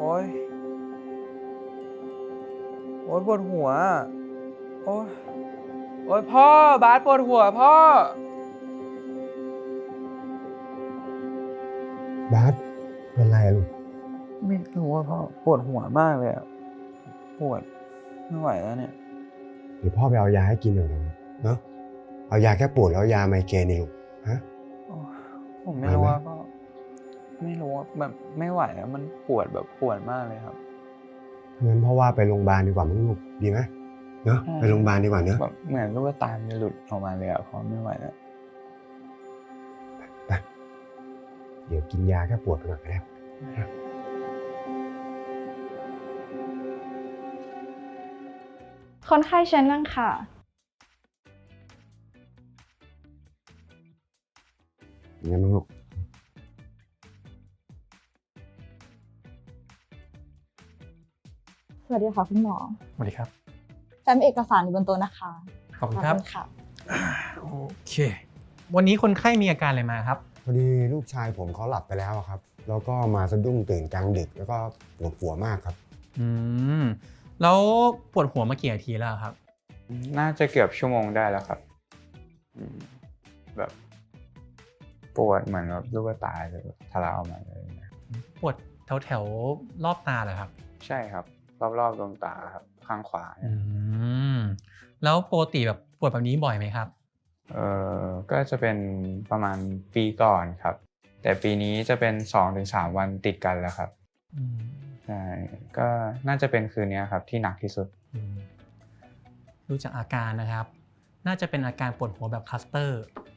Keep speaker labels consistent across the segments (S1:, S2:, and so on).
S1: อ้ยโอ้ยปวดหัวโอ้ยโอ้ยพ่อบาสปวดหัวพ่อ
S2: บาสเป็นไรลูก
S1: ไม่รู้ว่าพ่อปวดหัวมากเลยอะปวดไม่ไหวแล้วเนี่ย
S2: เดี๋ยวพ่อไปเอายาให้กินเดี๋ยวเนาะเอายาแก้ปวดแล้วยาไมเกรนนี่ลูกฮะ
S1: โอ้ยผมไม่รู้ว่าพ่อไม่รู้ว่าแบบไม่ไหวแล้วมันปวดแบบปวดมากเลยครับ
S2: งั้นพ่อว่าไปโรงพยาบาลดีกว่ามั้งลูกดีไหมเนาะไปโรงพยาบาลดีกว่าเนาะ
S1: แบบเหมือนลูกตาจะหลุดออกมาเลยอะพ่อไม่ไหวแล้ว
S2: ไปเดี๋ยวกินยาแก้ปวดไปก่อนก็ได้
S3: คนไข้เชิญนั่งค่ะ
S2: งั้นมั้งลูก
S3: สวัสดีค่ะคุณหมอ
S4: สวัสดีครับ
S3: แฟ้มเอกสารอยู่บนโต๊ะนะคะ
S4: ขอบคุณครับ
S3: ค่ะ
S4: โอเควันนี้คนไข้มีอาการอะไรมาครับ
S2: พอดีลูกชายผมเขาหลับไปแล้วครับแล้วก็มาสะดุ้งตื่นกลางดึกแล้วก็ปวดหัวมากครับ
S4: แล้วปวดหัวมากี่นาทีแล้วครับ
S1: น่าจะเกือบชั่วโมงได้แล้วครับแบบปวดเหมือนแบบลูกตาจะทะลักออกมาเลย
S4: ปวดแถวรอบตาเหรอครับ
S1: ใช่ครับรอบๆดวงตาครับข้างขวา
S4: แล้วปกติแบบปวดแบบนี้บ่อยไหมครับ
S1: ก็จะเป็นประมาณปีก่อนครับแต่ปีนี้จะเป็น 2-3 วันติดกันแล้วครับใช่ก็น่าจะเป็นคืนนี้ครับที่หนักที่สุด
S4: ดูจากอาการนะครับน่าจะเป็นอาการปวดหัวแบบคลัสเตอร์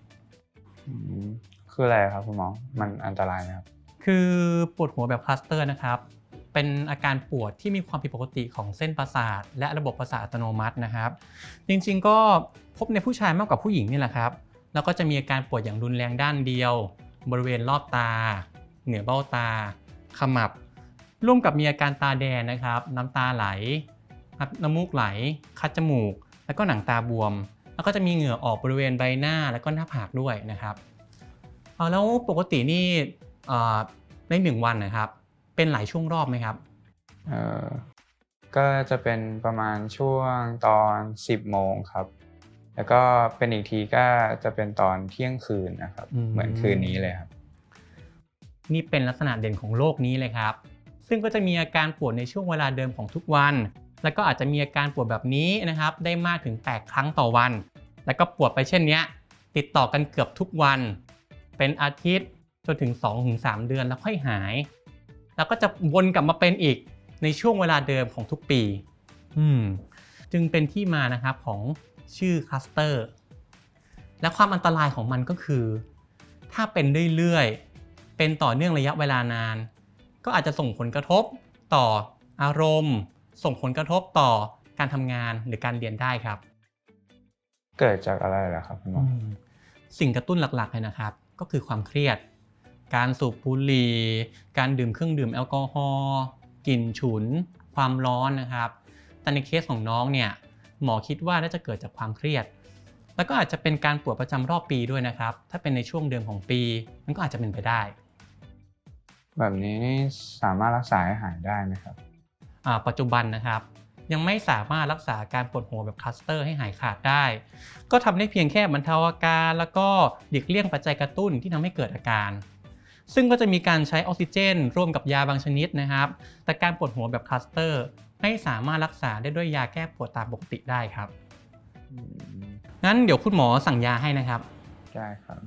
S1: คืออะไรครับคุณหมอมันอันตรายไหมครับ
S4: คือปวดหัวแบบคลัสเตอร์นะครับเป็นอาการปวดที่มีความผิดปกติของเส้นประสาทและระบบประสาทอัตโนมัตินะครับจริงๆก็พบในผู้ชายมากกว่าผู้หญิงนี่แหละครับแล้วก็จะมีอาการปวดอย่างรุนแรงด้านเดียวบริเวณรอบตาเหนือเบ้าตาขมับร่วมกับมีอาการตาแดงนะครับน้ำตาไหลน้ำมูกไหลคัดจมูกแล้วก็หนังตาบวมแล้วก็จะมีเหงื่อออกบริเวณใบหน้าแล้วก็หน้าผากด้วยนะครับแล้วปกตินี่ใน1 วันนะครับเป็นหลายช่วงรอบไหมครับ
S1: ก็จะเป็นประมาณช่วงตอน10 โมงครับแล้วก็เป็นอีกทีก็จะเป็นตอนเที่ยงคืนนะครับเหมือนคืนนี้เลยครับ
S4: นี่เป็นลักษณะเด่นของโรคนี้เลยครับซึ่งก็จะมีอาการปวดในช่วงเวลาเดิมของทุกวันแล้วก็อาจจะมีอาการปวดแบบนี้นะครับได้มากถึง8 ครั้งต่อวันแล้วก็ปวดไปเช่นนี้ติดต่อกันเกือบทุกวันเป็นอาทิตย์จนถึง 2-3 เดือนแล้วค่อยหายแล้วก็จะวนกลับมาเป็นอีกในช่วงเวลาเดิมของทุกปีจึงเป็นที่มานะครับของชื่อคลัสเตอร์และความอันตรายของมันก็คือถ้าเป็นเรื่อยๆเป็นต่อเนื่องระยะเวลานานก็อาจจะส่งผลกระทบต่ออารมณ์ส่งผลกระทบต่อการทำงานหรือการเรียนได้ครับ
S1: เกิดจากอะไรล่ะครับคุณหมอ
S4: สิ่งกระตุ้นหลักๆเลยนะครับก็คือความเครียดการสูบบุหรี่การดื่มเครื่องดื่มแอลกอฮอล์กลิ่นฉุนความร้อนนะครับแต่ในเคสของน้องเนี่ยหมอคิดว่าน่าจะเกิดจากความเครียดแล้วก็อาจจะเป็นการปวดประจำรอบปีด้วยนะครับถ้าเป็นในช่วงเดือนของปีมันก็อาจจะเป็นไปได้
S1: แบบนี้นี่สามารถรักษาให้หายได้ไหมครับ
S4: ปัจจุบันนะครับยังไม่สามารถรักษาการปวดหัวแบบคลัสเตอร์ให้หายขาดได้ก็ทำได้เพียงแค่บรรเทาอาการแล้วก็หลีกเลี่ยงปัจจัยกระตุ้นที่ทำให้เกิดอาการซึ่งก็จะมีการใช้ออกซิเจนร่วมกับยาบางชนิดนะครับแต่การปวดหัวแบบคลัสเตอร์ไม่สามารถรักษาได้ด้วยยาแก้ปวดตามปกติได้ครับงั้นเดี๋ยวคุณหมอสั่งยาให้นะครับ
S1: ได้ครับ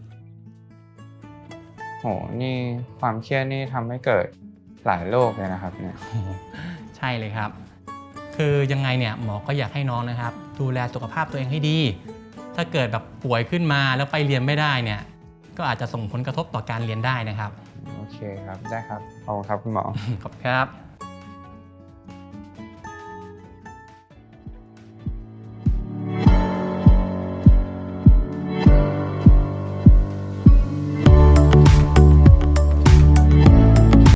S1: โหนี่ความเครียดนี่ทำให้เกิดหลายโรคเลยนะครับเนี่ย
S4: ใช่เลยครับคือยังไงเนี่ยหมอก็อยากให้น้องนะครับดูแลสุขภาพตัวเองให้ดีถ้าเกิดแบบป่วยขึ้นมาแล้วไปเรียนไม่ได้เนี่ยก็อาจจะส่งผลกระทบต่อการเรียนได้นะครับ
S1: โอเคครับได้ครับขอบคุณครับคุณหมอ
S4: ขอบคุณครับ